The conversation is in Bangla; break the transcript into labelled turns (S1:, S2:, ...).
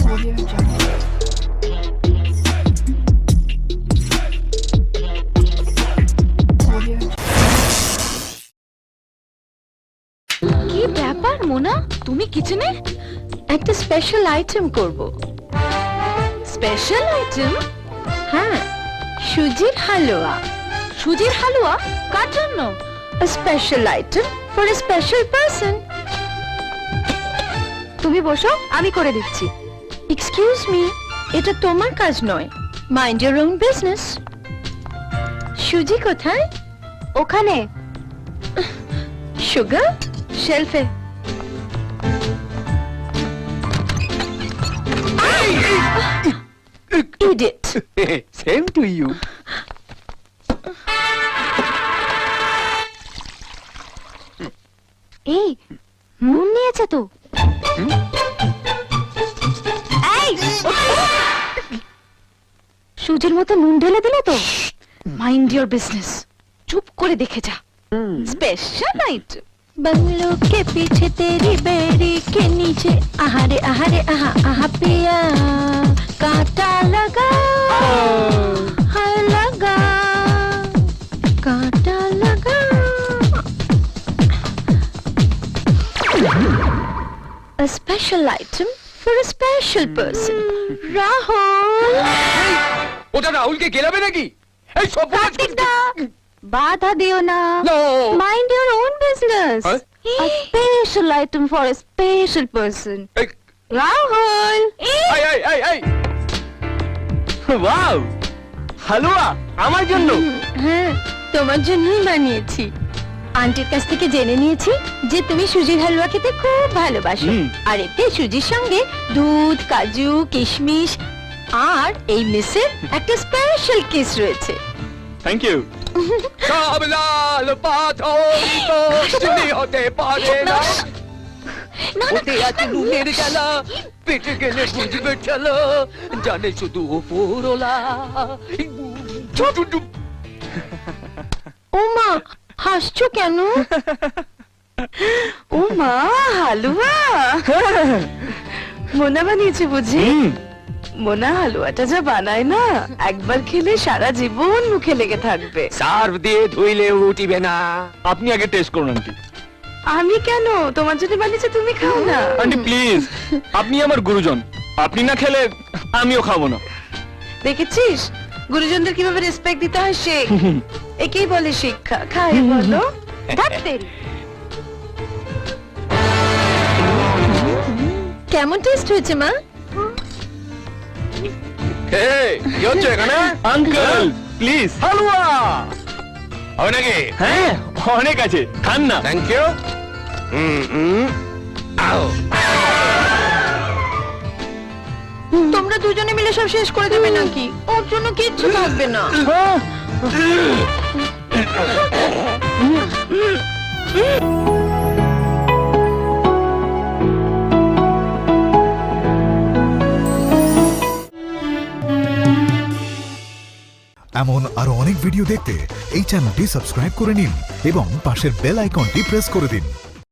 S1: কি ব্যাপার মোনা, তুমি কিচেনে? একটা স্পেশাল আইটেম করব। Special item? হ্যাঁ, সুজির হালুয়া। সুজির হালুয়া কার জন্য? A special item for a special person. তুমি বসো, আমি করে দিচ্ছি। এক্সকিউজ মি, এটা তোমার কাজ নয়। Mind your own business. সুজি কোথায়? ওখানে। সুগার শেলফে। Idiot.
S2: Same to you.
S1: এই নুন নিয়েছে তো। এই সুজির মতো নুন ঢেলে দিলে তো। Mind your business. চুপ করে দেখে যা। Special item. बंगलों के पीछे तेरी बेड़ी के नीचे आहारे आहारे आहा आहा पिया कांटा लगा हाय लगा कांटा लगा। A special item for a special person. Rahul.
S2: ওটা রাহুলকে গেলাবে নাকি? এই সব
S1: কার্তিক দা বাধা দিও না।
S2: No.
S1: Mind your own business.
S2: Huh?
S1: A special item for a special person. Rahul.
S2: এই এই এই এই ওয়াও, হালুয়া আমার জন্য।
S1: হ্যাঁ, তোমার জন্যই বানিয়েছি। আন্টির কাছ থেকে জেনে নিয়েছি যে তুমি সুজির হালুয়া খেতে খুব ভালোবাসো। আর এতে সুজির সঙ্গে দুধ, কাজু, কিশমিশ আর এই মিসের একটা স্পেশাল কিস রয়েছে।
S2: Thank you. সব লাল পাথর তো চিনি হতে পারে না। ওতে আছে নুনের জ্বালা, পেটে গেলে বুঝবে চলো, জানে শুধু ওপরওয়ালা।
S1: ও মা, হাসছো কেন? ও মা, হালুয়া মোনা বানিয়েছে বুঝি? মোনা হালুয়াটা যা বানায় না, একবার খেলে সারা জীবন মুখে লেগে থাকবে।
S2: সার্ফ দিয়ে ধুইলে উঠিবে না। আপনি আগে টেস্ট করুন আন্টি।
S1: আমি কেন? তোমার জন্য বানিয়েছে, তুমি খাও না।
S2: আন্টি প্লিজ, আপনি আমার গুরুজন, আপনি না খেলে আমিও খাবো না।
S1: দেখেছিস গুরুজনদের কিভাবে রেসপেক্ট দিতে হয় শেখ। একেই বলে শিক্ষা। খাই বলো। কেমন টেস্ট হয়েছে মা?
S2: কি হচ্ছে এখানে? আঙ্কেল প্লিজ হালুয়া হবে নাকি? হ্যাঁ অনেক আছে, খান না। Thank you.
S1: তোমরা দুজনে মিলে সব শেষ করে দেবে নাকি? ওর জন্য কিচ্ছু থাকবে না।
S3: এমন আরো অনেক ভিডিও দেখতে এই চ্যানেলটি সাবস্ক্রাইব করে নিন এবং পাশের বেল আইকনটি প্রেস করে দিন।